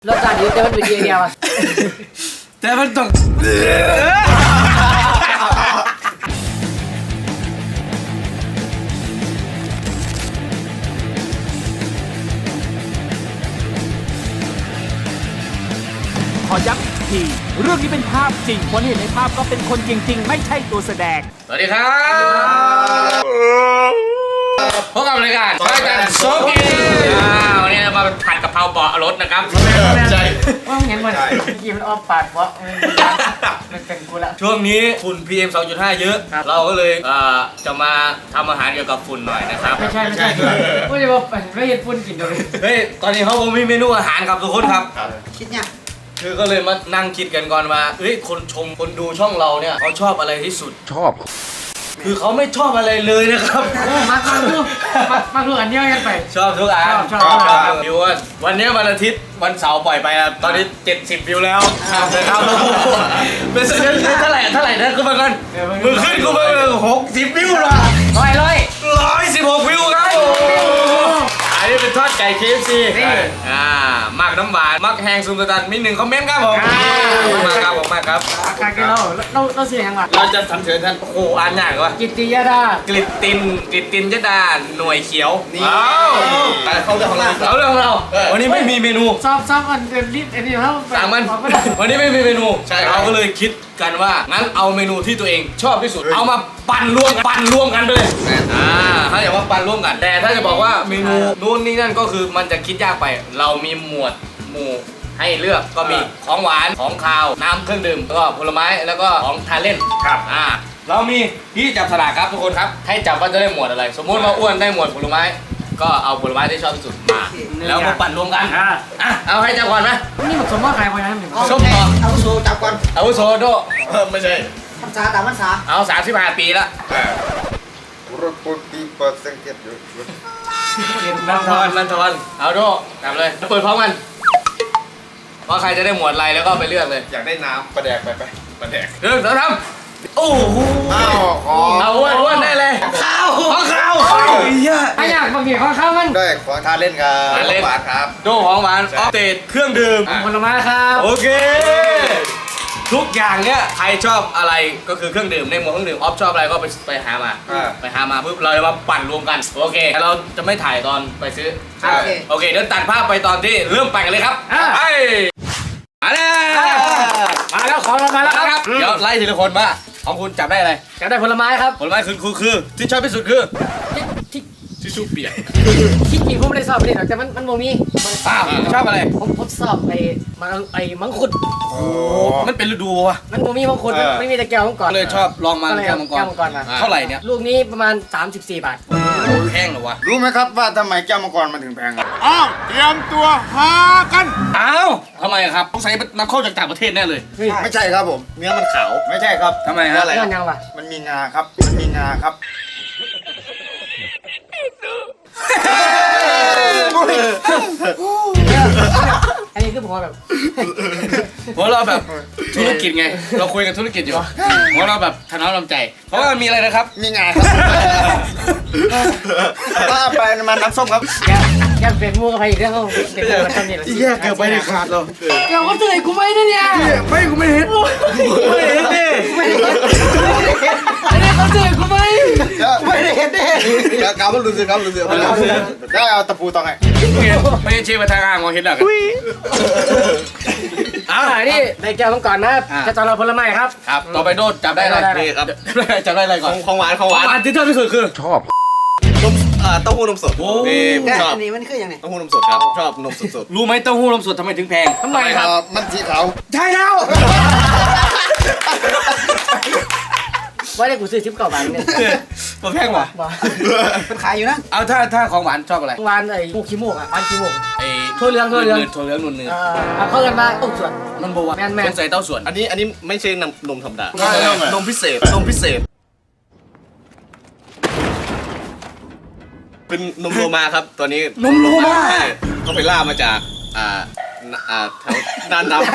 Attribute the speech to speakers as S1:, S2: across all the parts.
S1: รสชาติดีแต่มันเป็นเดียวอ่ะ
S2: แต่มันต้อง
S3: ขอย้ำอีกทีเรื่องนี้เป็นภาพจริงคนเห็นในภาพก็เป็นคนจริงๆไม่ใช่ตัวแสดง
S2: สวัสดีครับพบกับรายการรายการโซกิวันนี้เรามาผัดกะเพราเบาะรถนะครับใช่
S1: ว่าเห็นมันกินมันออฟปาดเพราะมันเป็นกูละ
S2: ช่วงนี้ฝุ่น PM 2.5 เยอะเราก็เลยจะมาทำอาหารเกี่ยวกับฝุ่นหน่อยนะครับ
S1: ไม่ใช่ไม่ได้ว่าไม่เห็นฝุ่นกินเลย
S2: เฮ้ยตอนนี้เขามีเมนูอาหารครับทุกคนครับ
S1: คิดเนี่ย
S2: คือก็เลยมานั่งคิดกันก่อนว่าเฮ้ยคนชมคนดูช่องเราเนี่ยเขาชอบอะไรที่สุดคือเขาไม่ชอบอะไรเลยนะครับ
S1: มาดูอันเดียวกันไป
S2: ชอบทุกอัน
S1: ชอบ
S2: วิววันนี้วันอาทิตย์วันเสาร์ปล่อยไปแล้วตอนนี้70วิวแล้วนะครับเป็นเท่าไหร่นะขึ้นมาก่อนมือขึ้นกูมา60วิวละ116วิวครับอันนี้เป็นทอดไก่ KFC มักน้ำหวานมักแห้งซุมตะตันมี1คอมเมนต์ครับผมมาครับ
S1: การกินเราเสียงว่ะ
S2: เราจะสรรเสริญท่านโอ้โหอ่านยากว่ะ
S1: กิตติยดาก
S2: ลิตตินยดาหน่วยเขียว
S4: เขาเรื่องของเรา
S2: วันนี้ไม่มีเมนู
S1: ซอฟอันเดินรีบอันนี้เขา
S2: วันนี้ไม่มีเมนูเราก็เลยคิดกันว่างั้นเอาเมนูที่ตัวเองชอบที่สุดเอามาปั่นรวมกันไปเลยถ้าอยากว่าปั่นร่วมกันแต่ถ้าจะบอกว่าเมนูนู่นนี่นั่นก็คือมันจะคิดยากไปเรามีหมวดหมู่ให้เลือกก็มีของหวานของคาวน้ำเครื่องดื่มแล้วก็ผลไม้แล้วก็ของทานเล่นครับเรามีที่จับสลากครับทุกคนครับให้จับว่าจะได้หมวดอะไร สมมุติว่าอ้วนได้หมวดผลไม้ก็เอาผลไม้ที่ชอบที่สุดมาแล้วมาปั่นรวมกันเอาให้จับก่อนไหม
S1: นี่มันสมมติใครไปนะ
S2: ส้มต่อ
S4: เอาโซจับก่อน
S2: เอาโซโดไม่ใช่
S1: พรรษาตามพรรษา
S2: เอา35 ปีละ
S4: รถปูนปีเปิดสังเกตอยู่
S2: นันทอนเอาโดจับเลยเปิดพร้อมกันว่าใครจะได้หมวดอะไรแล้วก็ไปเลือกเลย
S4: อยากได้น้ำประแดกไปประแดก
S2: ทำโอ้โหเอาอ้วนได้เลยข้าว
S1: ถ้าอยากบางทีข้าวมัน
S4: ได้ของทานเล่นครับหวานครับ
S2: โดของหวานออฟเดตเครื่องดื่ม
S1: ผลไม้ครับ
S2: โอเคทุกอย่างเนี้ยใครชอบอะไรก็คือเครื่องดื่มในหมวดเครื่องดื่มออฟชอบอะไรก็ไปหามาปุ๊บเราจะมาปั่นรวมกันโอเคเราจะไม่ถ่ายตอนไปซื้อโอเคเดี๋ยวตัดภาพไปตอนที่เริ่มปั่นกันเลยครับไปมาแล้วของเรามาแล้วครับเดี๋ยวไล่ทีละคนมาของคุณจับได้อะไร
S1: จับได้ผลไม้ครับ
S2: ผลไม้คือที่ชอบที่สุดคือทิชชู่เปียก
S1: คิดจริงผมไม่ได้สอบเลยแต่มันโมมี
S2: ชอบอะไร
S1: ผมสอบมังคุด
S2: โอ้มันเป็นฤดูวะ
S1: มันโมมีมังคุดไม่มีแต่แก้วมังกร
S2: เลยชอบลองมาแก้วมังกรเท่าไหร่เนี่ย
S1: ลูกนี้ประมาณ34 บาท
S2: แพงเหรอวะ
S4: รู้ไหมครับว่าทำไมแก้วมังกรมันถึงแพง
S3: เตรียมตัวหากัน
S2: ทำไมครับต้องใช้นำเข้าจากต่างประเทศแน่เลย
S4: ไม่ใช่ครับผมเนื้อมันขาวไม่ใช่ครับ
S2: ทำไมฮะ
S1: อะไรยังวะ
S4: มันมีงาครับ
S1: อันนี้คือผมแบบ
S2: เพราะเราแบบธุรกิจไงเราคุยกันธุรกิจอยู่เพราะเราแบบทน้ำใจเพราะว่ามีอะไรนะครับ
S4: มีงาครับก็ไปมันน้ำส้มครับ
S1: แกเป็นมูกับใครอีกเรื่องเขาเป็นมูกับทำนี่แหละ
S4: แยกเกิดไปในขาดเรา
S1: เขาเตือนกูไม่ได้เนี่ย
S4: กูไม่เห็นดิ
S1: อันนี้เขาเตือนกูไม่ได้เห็นดิ
S4: กาวมันรู้สึกได้เอาตะปูตองไง
S2: ไม่ใช่เชื่อมาทางอ่างมองเห็นหรอก
S1: นี่ในแก้วมังกรนะจะจอเราผลไม้ครับ
S2: ต่อไปโดดจับได้อะไรนี่ครับจับได้อะไรก่อน
S4: ของหวาน
S2: ที่ชอบที่สุดคือ
S4: ชอบนมเต้าหู้นมสด
S1: นี่ชอบอันนี้มันคือยังไง
S4: เต้าหู้นมสดครับชอบนมสด
S2: รู้ไหมเต้าหู้นมสดทำไมถึงแพง
S1: ทำไมครับ
S4: มันสีขาว
S1: ใช่แล้วว่าได้กูซื้อชิปเก่าบาทเนี่ย
S2: มันแพงว่ะ
S1: มันขายอยู่นะ
S2: เอาถ้าของหวานชอบอะไร
S1: หวานไอ้มูขี้มูกอ่ะหวานขี้มูก
S2: ถั่วเหลืองนุ่น
S1: เขาเรียกว่าเต้าส่วน
S2: มันบัวแม่นใส่เต้าส่วน
S4: อันนี้ไม่ใช่นมธรรมดานมพิเศษเป็นนมโลมาครับตัวนี้
S2: นมโลมา
S4: เขาไปล่ามาจากแถวด้านน้ำ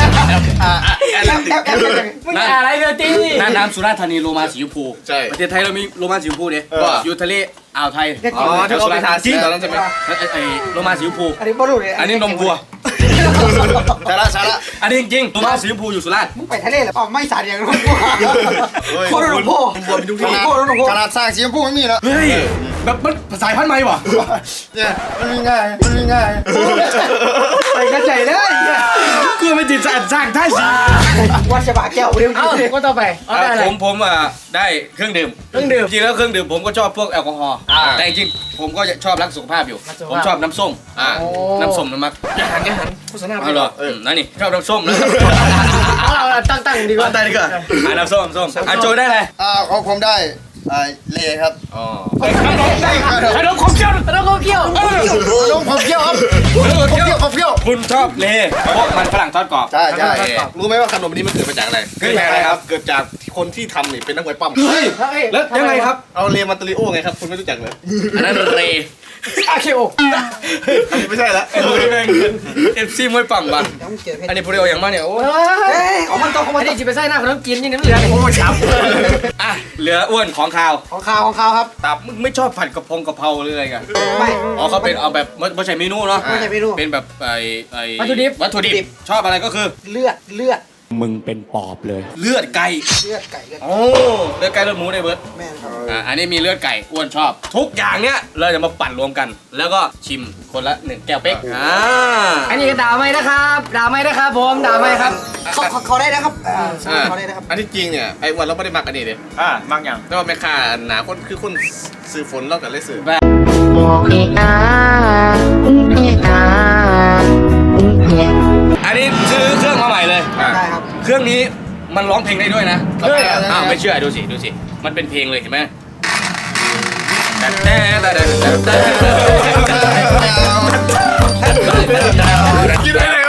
S1: มึงอะไรเดี๋ยวตี
S2: น่านน้ำสุราษฎร์ธานีโลมาสีชมพู
S4: ใช่
S2: ประเทศไทยเรามีโลมาสีชมพูเนี่ยอยู่ทะเลอ่าวไทย
S4: ที่เราไปทานจริงตอนนั้นใช่ไหม
S2: โลมาสีชมพู
S1: อันนี้บอลลูนเลย
S2: อันนี้นมวัว
S4: ช้าละ
S2: อันนี้จริงๆตัวมาสีชมพูอยู่สุราษฎร์
S1: มึงไปทะเลหรือเปล่าไม่สาดอย่างนั้นโคตรหลวงพ่อ
S4: ขนาดสร้างสีชมพูไม่มีแล้ว
S2: เฮ้ยแบบมันสายพันธุ์ใหม่ป่ะ
S4: เนี่ยมันมีง่าย
S1: ไปกระจายได้
S2: กูไม่ติดสร้างท่าสี
S1: วัดฉบาแก้วเร็วก็ต่อไปเอาได้อะไร
S2: ผมได้เครื่องดื่มจริงแล้วเครื่องดื่มผมก็ชอบพวกแอลกอฮอล์แต่จริงๆผมก็ชอบรักสุขภาพอยู่ผมชอบน้ำส้มน้ำส้มน้ำมักอย่าหันโฆษณาไปหรอนั่นนี่ชอบน้ำส้มนะ
S1: เอาตั้งดีกว่า
S2: ได้ดีกว่าน้ำส้มโจได้เลย
S4: ของผมได้เลครับ
S2: ขนมของเชี่ยว
S1: แล้วก็เกี่ยว
S4: ผมเที่ยวครับผมเที่ยว
S2: คุณชอบเลเพราะมันฝรั่งทอดกรอบ
S4: ใช่รู้ไหมว่าขนมนี้มันเกิดมาจากอะไรเกิดจากอะไรครับเกิดจากคนที่ทำนี่เป็นนักมวยปั้ม
S2: แล้วยังไงครับ
S4: เอาเลมาตาริโอไงครับคุณไม่รู้จักเลย
S2: อันนั้นเล
S1: อาเคโอ
S4: ไม่ใช่ละ
S2: เอฟซีมวยปั่มบ้านอันนี้พวกเราอย่างมากเนี่ยโอ้
S1: ของมันของมันที่จิไปใส่หน้าคนต้องกินนี่น้ำเหลือโอ้ยช้ำ
S2: อ่ะเหลืออ้วนของข้าว
S1: ของข้าวครับ
S2: ตับมึงไม่ชอบผัดกะเพราหรืออะไรกัน
S1: ไม่
S2: อ๋อเขาเป็นเอาแบบไม่ใช่เมนูเนาะ
S1: ไม่ใช่เมนู
S2: เป็นแบบ
S1: วัตถุดิบ
S2: ชอบอะไรก็คือ
S1: เลือด
S3: มึงเป็นปอบเลย
S2: เลือดไก่
S1: ไก่
S2: โอ้เลือดไก่เลือดหมูได้เบิร์ด
S1: แม่ครับ
S2: อันนี้มีเลือดไก่อ้วนชอบ ทุกอย่างเนี้ยเราจะมาปั่นรวมกัน แล้วก็ชิมคนละ1 แก้วเป๊ก
S1: อันนี้ก็ด่าไม่นะครับด่าไม่นะครับผมด่าไม่ครับเขาได้นะครับเขาได้นะครับ
S4: อันที่จริงเนี่ยไอ้วันเราไม่ได้มักอันนี้เลย
S2: มักอย่าง
S4: แต่ว่าแม่ค้าหนาคนคือคนซื้อฝนเล่ากันเลยซื้อ
S2: อันนี้ซื้อเครื่องมาใหม่เลย
S1: ได้ครับ
S2: เครื่องนี้มันร้องเพลงได้ด้วยนะไม่เชื่อดูสิมันเป็นเพลงเลยเห็นไหม
S4: กินได้เลย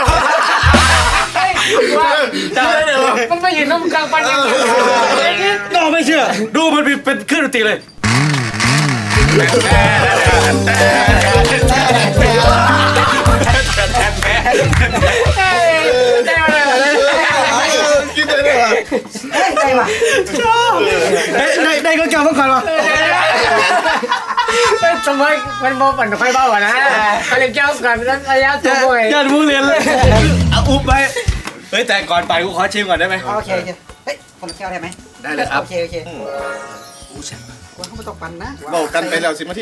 S1: มันไม่เห็นน้ำกลางปันยัง
S2: น้องไม่เชื่อดูมันเป็นเครื่องดนตรีเลยได้ก็เกี่ยวต้องก่อนวะ
S1: ทำไมมันโมปั่นไฟเบาอ่ะนะเขาเรียกแก้วกันแล้วระยะตัวบ่อย
S2: ยันมูเรียนเลยเอาอุบไปเฮ้ยแต่ก่อนไปกูขอชิมก่อนได้ไหม
S1: โอเคเฮ้ยคนละแก้วได้ไหม
S2: ได้เลยครับ
S1: โอเคว่าเขาไม่ต้องปั่นนะ
S4: บอกกันไปแล้ว10 นาที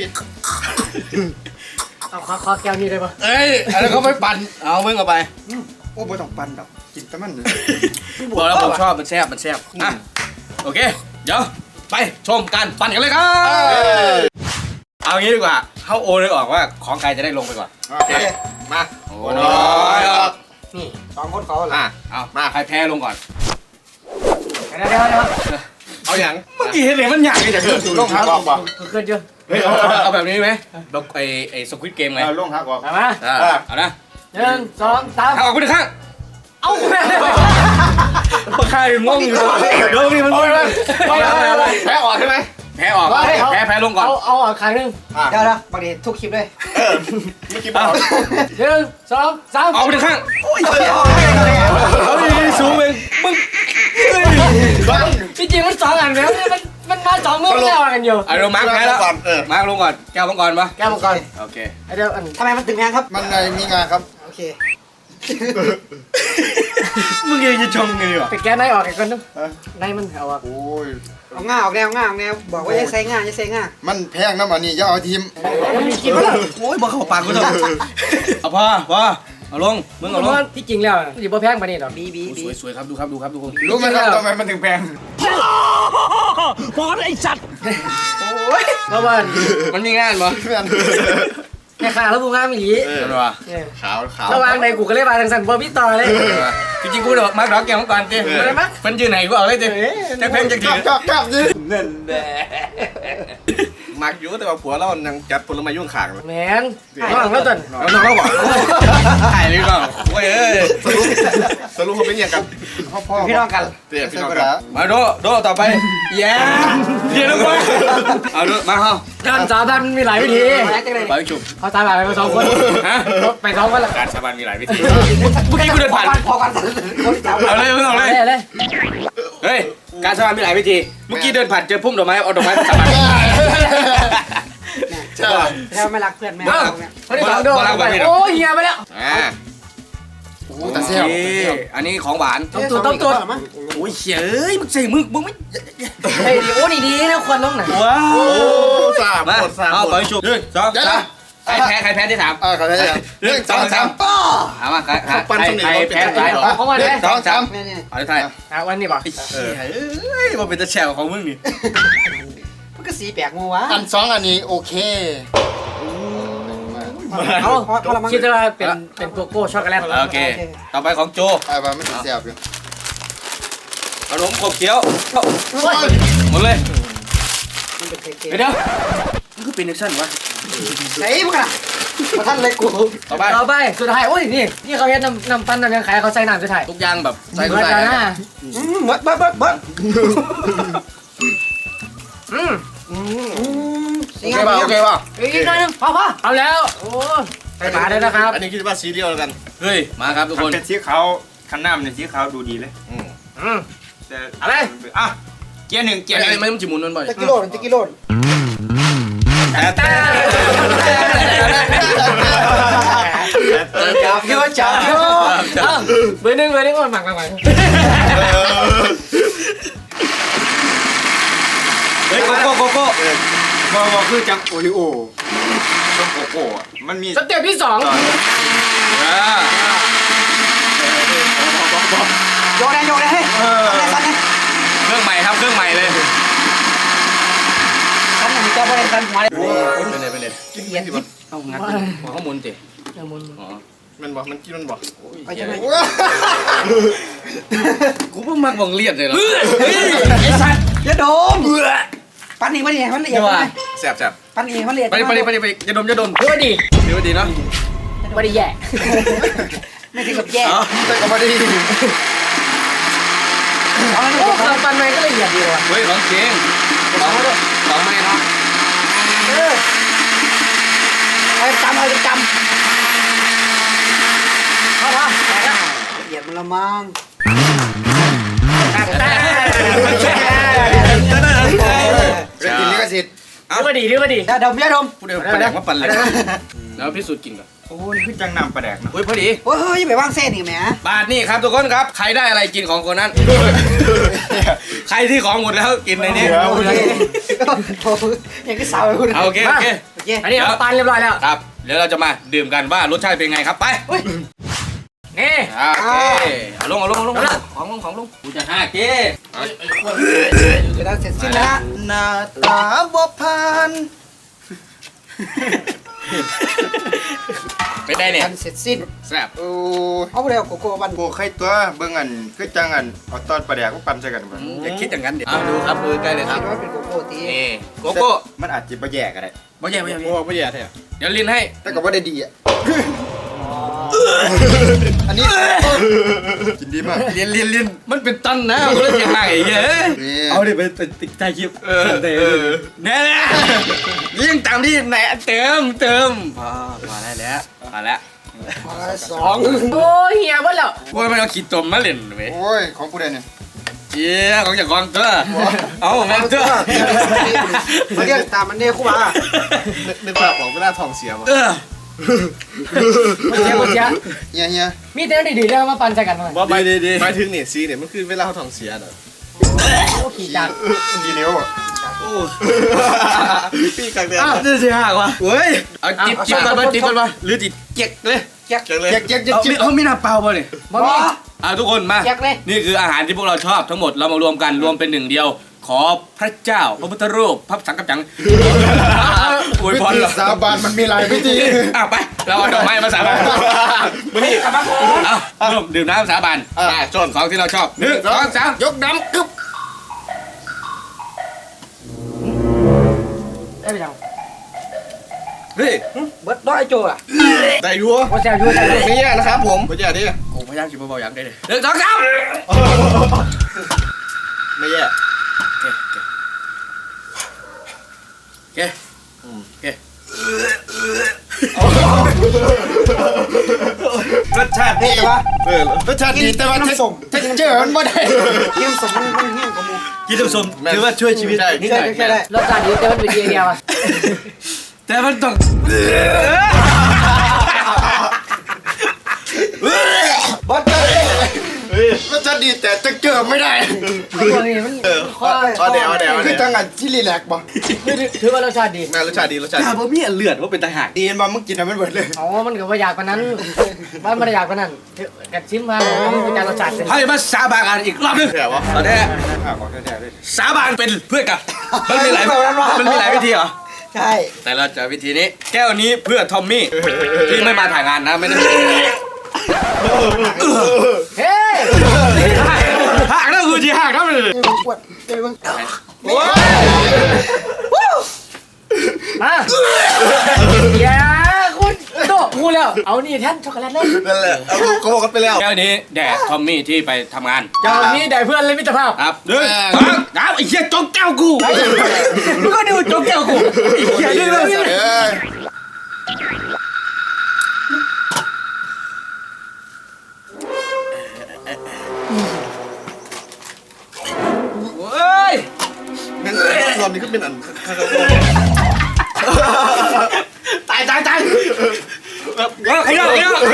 S1: เอาขอแก้วนี้ได้ปะ
S2: เอ้ยอันนั้นเขาไม่ปั่นเอามึงเอาไป
S4: โอ้ไม่ต้องปั่นดอกกินแต่มัน
S2: บอกแล้วผมชอบมันแซ่บอ่ะโอเคเดี๋ยวไปชมการปั่นกันเลยครับเอางี้ดีกว่าเขาโอนเลยออกว่าของใครจะได้ลงไปก่อน
S4: โอเคมา
S2: โอ้ย
S1: นี่2 คนเขาเหรอ
S2: เอามาใครแพ้ลงก่อน
S1: เดี๋ยว
S4: เอาอย่าง
S2: เมื่อกี้เห็นเลยมันอยากจะเกิด
S4: ลงหักออกป่ะ
S1: เกินเยอะ
S2: เฮ้ยเอาแบบนี้ไหมแบบไอ้สควิตเกมไง
S4: ลงหักออก
S1: มา
S2: เอานะ
S1: 1 2 3
S2: เอาออกไปหนึ่งข้าง
S1: เอาแม่
S2: ใครงงอยู่เดี๋ยวนี่มันงงเลย
S4: แพ้ออกใช่ไหม
S2: แพ้ออกแพ้ลงก่อน
S1: เอาครั้งนึงเดี๋ยวบางทีทุกคลิปเลย
S4: เมื่อกี้บอก
S1: 1 2 3
S2: ออกไปหนึ่งข้างเอาดีสูงเองมึง
S1: จริงมัน2 อันแล้วมันมา2 มือแล้วกันอยู่
S2: เอาเรามาร์คแพ้แล้วมาร์คลงก่อนแก้วลงก่อนปะ
S1: แก้วมังกร
S2: โอเค
S1: เดี๋ยวทำไมมันตึงแพงครับ
S4: มันมีงานครับ
S1: โอเค
S2: มึงยังจะชมไงวะ
S1: ไปแก้ไหนออกกันนึงไหนมันเอาอ่ะ
S4: โอ้ย
S1: เอาง่าออกแนวบอกว่าอย่าใส่ง่าอย่าใส่ง่า
S4: มันแพงนะมันนี่อย่าเอาทีม
S1: มันมีกินมั้ย
S2: โอ้ยบอกเขาปากกูเถอะเอาพอเอาลงมึงเอาลง
S1: ที่จริงแล้วสิบ่แพงปานนี้ดอกบี
S2: สวยครับดูครับทุกคน
S4: รู้ไหมครับทำไมมันถึงแพง
S3: บอสไอ้สัตว์
S1: เพราะว่า
S2: มันมีงานปะ
S1: แค่ขาแล้วกูงามอีหลี
S2: เดี๋ยววะ
S4: ขาว
S1: ระวังในกูก็เลยมาทางสันบ่พี่ต่อเลย
S2: จริงๆกูเดี๋ยวมาร์คดอกแก้วก่อนจีมันยืนไหนกูเอาเลยจีจะเพลงจะถือ
S4: จับยิงนั่นแหละมักอยู่แต่ว่าผัวเรายังจัดผลไม้ยุ่งขางเลย
S1: แมนระวังแล้วจน
S2: เอาน้องเราบอกถ่ายเลยก่อนโอ้ยเอ้ย
S4: สรุปเขาเป็นยังกันพ่อ
S1: พี่น้องกัน
S4: เตี้ยพี่น้องกัน
S2: มาโดต่อไปแย่เดี๋ยวลงไปเอาดูมาเข้า
S1: การสาบานมีหลายวิธี
S2: ไปฉุบ
S1: เขาสาบานไป2 คน
S2: ฮะ
S1: ไป2 คนละ
S2: การสาบานมีหลายวิธีเมื่อกี้กูเดินผ่าน
S1: พอกันคนจับ
S2: เอาเลยเอาเลย เฮ้ยการสาบานมีหลายวิธีเมื่อกี้เดินผ่านเจอพุ่มดอกไม้เอาดอกไม้สาบาน
S4: ใช่
S1: แล้วไม่รักเพื่อนแม่คนที่2โดนโอ้ยเฮียไปแล้ว
S4: โอ้แต่เซี่ยว
S2: อันนี้ของหวาน
S1: ต้องตัว
S2: โอ้ยเฮ้ยมึงใส่มึงไม่
S1: เฮ้ยดีโอ้ดีนะควันลงหน่อย
S2: ว้าว
S4: โอ้สาม
S2: มา
S4: หมดสาม
S2: เอา
S4: หม
S2: ไป
S4: ด
S2: ชุบ1 2 3ใครแพ้ที่ถาม
S4: ขอได้ยัง1 2 3
S2: ถามว่าใคร
S4: ปั้นสำเร็จ
S2: แพ้
S4: เราเป็น
S2: ใคร
S1: ของวันนี้
S4: 1 2 3
S1: นี่
S2: เอาที่ไทย
S1: วันนี้ป่ะ
S2: เฮ้ยมันเป็นตะแฉวของมึงนี่
S1: มันก็สีแปลกมัววะ
S4: อัน2อันนี้โอเค
S1: เอาคิดว่าเป็นโกโก้ช็อกโกแลต
S2: โอเคต่อไปของโจ
S4: ว่าไม่ติดเสียบอยู่
S2: ขนมขบเคี้ยวหมดเลยเดี๋ยวมันคือเป็นแอคชั่นวะ
S1: ไหนมึงอะมาท่านเลยกู
S2: ต่อไป
S1: ต่อไปสุดท้ายโอ้ยนี่เขาเฮ็ดน้ำปั้นน้ำยังขายเขาใส่น้ำสุดท้าย
S2: ทุกอย่างแบบใส่
S1: เบิ
S2: เข้า
S1: ร์ด
S2: ไป
S1: นะเบิร์ดเบิร์ด
S4: โอเคป่ะ
S1: อีกหน่อยนึงพอเอาแล้วโอ้ใส่หมาได้นะครับ
S4: อันนี้คิดว่าซีเรียลแล้วกัน
S2: เฮ้ยมาครับทุกคน
S5: เป็นสีขาวคันน้ำเนี่ยสีขาวดูดีเลยแต่
S1: อะไร
S5: อ่ะเกียร์หนึ่งเกียร์หนึ่ง
S2: ไม่ต้องจิมุนมันบ่อย
S1: ตะกิโลจับโยจับโยเบอร์หนึ่งก่อนหมักเ
S2: ฮ้ยโกโก้
S5: บอกคือจังโอริโอส้มโกโก้อะมันมี
S1: สเต็ปที่2โยนได้ให้สั้น
S2: เครื่องใหม่ครับเครื่องใหม่เลย
S1: สั้นอย่างนี้ก็ไม่ได้สั้นหัว
S2: เป็นเลย
S4: กินเย็นสิบ่
S2: เอางัดหัวข้อมูลติอ๋อ
S4: มันบอกมันกินมันบอก
S1: ไปจังไหน
S2: กูเพิ่งมักบังเลียดเลยเหรอ
S1: ไอ้สัตว์อย่าดมปั้นเองมันละเอียดมันละเอียด
S4: แซ่บแซ่บ
S1: ปั้นเองมันละเอียด
S2: ไปอย่าดม
S1: ดีว่าดี
S2: เนาะ
S1: ไม่ได้แย่ไม่ถึงกับแย่
S4: แต่ก็ไม่ได้
S1: โอ้เราปั้นไปก็ละเอียดดีว่ะ
S2: เฮ้ยของจริงของไม่เนาะ
S1: เอาจำเข้าละละเอียดมันละมั้ง
S4: กินนี่ก็สิ
S1: ดีว่าดีอย่าดมอย่าดม
S2: พูดเดี๋ยวแปลกว่าปั่นเลยแล้วพิสูจน์กินก่อน
S5: โอ้ยคือจังน้ำปลาแดกเนาะ
S2: เฮ้ยพอดี
S1: เฮ้ยไปวางเส้นอีกแหม
S2: บาทนี่ครับทุกคนครับใครได้อะไรกินของคนนั้นใครที่ของหมดแล้วกินในนี้
S1: ยังก็สาวเลยคุณ
S2: โอเค
S1: อันนี้เราปั้นเรียบร้อยแล้ว
S2: ครับเดี๋ยวเราจะมาดื่มกันว่ารสชาติเป็นไงครับไป
S1: นี่
S2: โอเคเอาลงของลงกูจะ5เก้
S1: เดี๋ยวเราเสร็จสิ้นแล้ว
S4: หน้าตาบ่ผ่าน
S2: ไปได้เนี่ย
S1: เสร็จสิ้น
S2: แซ่บ
S4: โอ้
S1: เอาไปเร็วโกโก้บัน
S5: โก้ไข่ตัวเบิ่งอันคือจังอันเอาตอนปลาแดกก็ปั่นใส่กันบ่
S2: อย่าคิดอย่างนั้นเดี๋ยวดูครับดูใกล้เลยครับ
S1: คิดว่าเป็นโกโก้ตี
S2: นี่โกโก้
S5: มันอาจจะบ่แยกก็ได้
S2: ไม่ใช่
S4: โหไม่แย่แท้
S2: เดี๋ยวลินให้
S4: แต่ก็ไม่ได้ดีอ่ะอันนี้กินดีมาก
S2: เรียนมันเป็นตันนะมันเลยยังไงเย้เอาดิไปติดใจคลิปแน่ยิ่งตามที่ไหนเติมพอได้แล้วพอแล้ว
S1: 2โอ้ยเฮียบ่แล้ว
S2: โอ้ยมันเอาขีดตมมาเล่นเว้ย
S4: โอ้ยของกูได้เนี่ย
S2: เจี๊ยของจากกองตัวเอาแม่เจ้า
S1: มาเรียกตามมันเนี่ยคู่บ่า
S4: นึกภาพออกเวลาท้องเสียบ่
S1: เฮีย
S4: เฮีย
S1: มีแต่ดีๆแล้วมาปั่นใจกันหน่อย
S4: ว่าไปดีหมายถึงเนี่ยซีเนี่ยมันคือเวลาเขาท้องเสียเนาะ
S1: โอ้ขี่จักร
S4: กี่นิ้วอ่ะพี่กังเดือน
S2: จะเสียหักวะเฮ้ยเอาจิบก่อนมาหรือจิบเจ๊กเลย
S4: จังเลยเจ๊ก
S2: เอาไม่น่าเปล่าป่ะเนี่ย
S1: บ่มี
S2: ทุกคนมา
S1: แยกเลย
S2: นี่คืออาหารที่พวกเราชอบทั้งหมดเรามารวมกันรวมเป็นหนึ่งเดียว ขอพระเจ้าพระพุทธรูปพระสังกัปจังอวย
S4: วิ
S2: พร
S4: ธี
S2: เหรอ
S4: สาบานมันมีหลายวิธี
S2: ไปเราเอาดอกไม้มาสาบานมานี่เอาร่วมดื่มน้ำสาบานส่วนของที่เราชอบ1 2 3ยกน้ำกึ๊บ
S1: ได้ไปจัง
S2: เฮ้ย
S1: เบิดร้อยโจอ่ะ
S4: ได้ยัว
S1: โอ้แซ่บอยู่แซ่บอยู่
S4: ไม่แย่นะครับผมไม่แย่ดิ
S2: กูพยายามกินเบาๆอย่างได้เลย1 2 3
S4: ไม่แย่
S2: โอเค
S5: รสชาติดีวะ
S4: รสชาติดีแต่ว่าเทคเจอร์มันไม่ได้
S1: เยี่ยมสมมันเฮี้ยงกว่ามู
S2: กินสมถือว่าช่วยชีวิต
S4: ได้
S1: ใช่ได้รสชาติดีแต่มันเป็นเดียวอ่ะ
S2: แต่มันต้อง
S1: บอสเจอเลย
S4: รสชาติดีแต่จะเกิดไม่ได้
S1: ตัวนี้มันข้อ
S4: เอาเดี๋ยว
S5: คือจังหวัดที่รีแลกซ์บ่
S1: ถือว่ารสชาติดี
S4: รสชาติดีรสชาติ
S2: ถ้าบ่มีอันเลือดว่าเป็นตาหัก
S5: ดีมามึงกินอะไรมันเบิดเลย
S1: อ๋อมันก็ว่าอยากกว่านั้นบ้านมันอยากกว่านั้นกัดชิมมาเป็นการรสชาติเลย
S2: ให้มาสาบานกันอีกรอบนึง
S4: แค่วะ
S2: ตอนนี้
S5: ของแท้ๆเลย
S2: สาบานเป็นเพื่อนกันมันมีหลายวิธีเหรอ
S1: ใช่
S2: แต่เราจะวิธีนี้แก้วนี้เพื่อทอมมี่ที่ไม่มาถ่ายงานนะไม่ได้
S1: เฮ้
S2: หักนั่นคือที่หักนั่นเลย
S1: ปวดเดี๋ยวมึงมาอย่าคุณโตกูแล้วเอานี่แท่นช็อกโกแลตเลย
S4: นั่นแหละเอาโกกันไปแล้ว
S2: แก้วนี้แด่ทอมมี่ที่ไปทำงาน
S1: เจ้านี้ได้เพื่อนเลยมิตรภาพ
S2: ครับหนึ่งสองสามไอ้เหี้ยจกแก้วกูมึงก็ดูจกแก้วกูไอ้เหี้ยนี่เลยเฮ้ย
S4: งั้นรอบนี้ก็เป็นอัน
S2: ตายเฮ้ย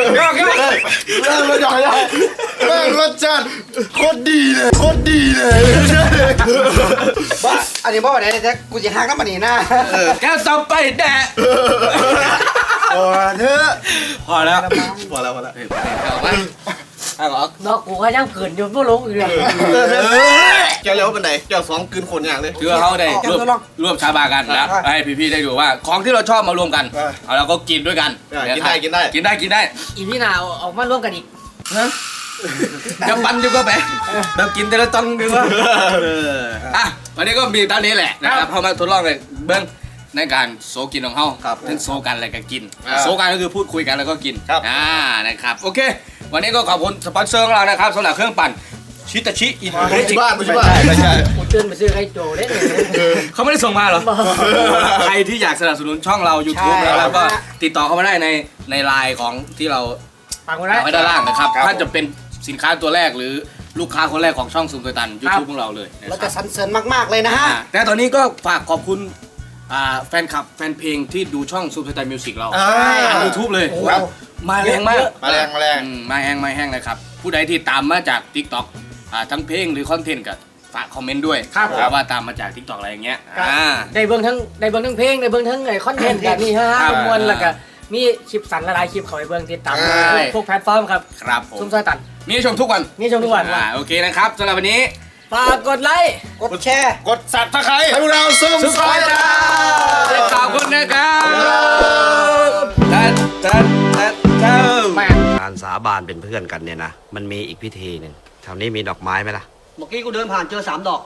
S4: รสชาติโคตรดีเลย
S1: บ้าอันนี้บอกว่าไหนแจ็คกูจะหักน้ำมันนี่นะ
S2: แก้วต่อไปแด่
S4: โอ้เธอ
S2: พอแล้ว
S4: พอแล้ว
S2: เอามาเอาออก
S1: ดอกกูก็ยังเกินอยู่ไม่ลงอีกเลย
S4: แกเลี้ยวเป็นไหนแกสองคืนคนอย่างเลย
S2: คือเขาได้ร่วมชาบากันแล้วให้พี่ๆได้ดูว่าของที่เราชอบมารวมกันเอาแล้วก็กินด้วยกัน
S4: กินได้
S2: กินได้
S1: อีพี่นาออกมาร่วมกันอีก
S2: จะปันดีกว่าไหมแบบกินแต่ละตอนดีกว่าอ่ะวันนี้ก็มีตอนนี้แหละนะครับเขามาทดลองเลยเบิ้งในการโซกินของเขาทั้งโซกันอะไรกันกินโซกันก็คือพูดคุยกันแล้วก็กินนะครับโอเควันนี้ก็ขอบคุณสปอนเซอร์ของเรานะครับสำหรับเครื่องปั่นชิตาชิอิน
S4: ไม่ใช่บ้านไม่ใช่
S1: กูตื่นไปซื้อไข่โจเด้
S2: เขาไม่ได้ส่งมาเหรอใครที่อยากสนับสนุนช่องเรา YouTube นะครับก็ติดต่อเข้ามาได้ในไลน์ของที่เรา
S1: ปังกูได้
S2: ไว้ด้านล่างนะครับถ้าจะเป็นสินค้าตัวแรกหรือลูกค้าคนแรกของช่องซูมเตอร์ตัน YouTube ของเราเลยนะ
S1: เรา
S2: ครั
S1: จะ
S2: บ
S1: สรรเสริญมากๆเลยนะฮะ
S2: แต่ตอนนี้ก็ฝากขอบคุณแฟนคลับแฟนเพลงที่ดูช่องซูมเตอร์ตันมิวสิกเราทาง YouTube เลย
S4: ครับ
S2: มาแรงมาก
S4: มาแรง
S2: มาแห้งเลยครับผู้ใดที่ตามมาจาก TikTok ทั้งเพลงหรือคอนเทนต์ก็ฝากคอมเมนต์ด้วยว่าตามมาจาก TikTok อะไรอย่างเงี้ย
S1: ได้เบิ่งทั้งเพลงได้เบิ่งทั้งไอ้คอนเทนต์แบบนี้ฮะมวลแล้วก็มีคลิปสั้นหลายๆคลิปเขาไปเบิ่งติดตามพวกแพลตฟอร์มครับ
S2: ครับผม
S1: ซุ่มซอยตัน
S2: มีให้ชมทุกวัน
S1: นี่ชมทุกวัน
S2: โอเคนะครับสำหรับวันนี้
S1: ฝากกดไลค์กดแชร์
S4: กดสับตะไคร้ให้พวกเราซุ่มซอยจ้า
S2: ขอบคุณนะครับ
S6: การสาบานเป็นเพื่อนกันเนี่ยนะ มันมีอีกพิธีหนึ่งแถวนี้มีดอกไม้ไหมล่ะ
S1: เมื่อกี้กูเดินผ่านเจอ3 ดอก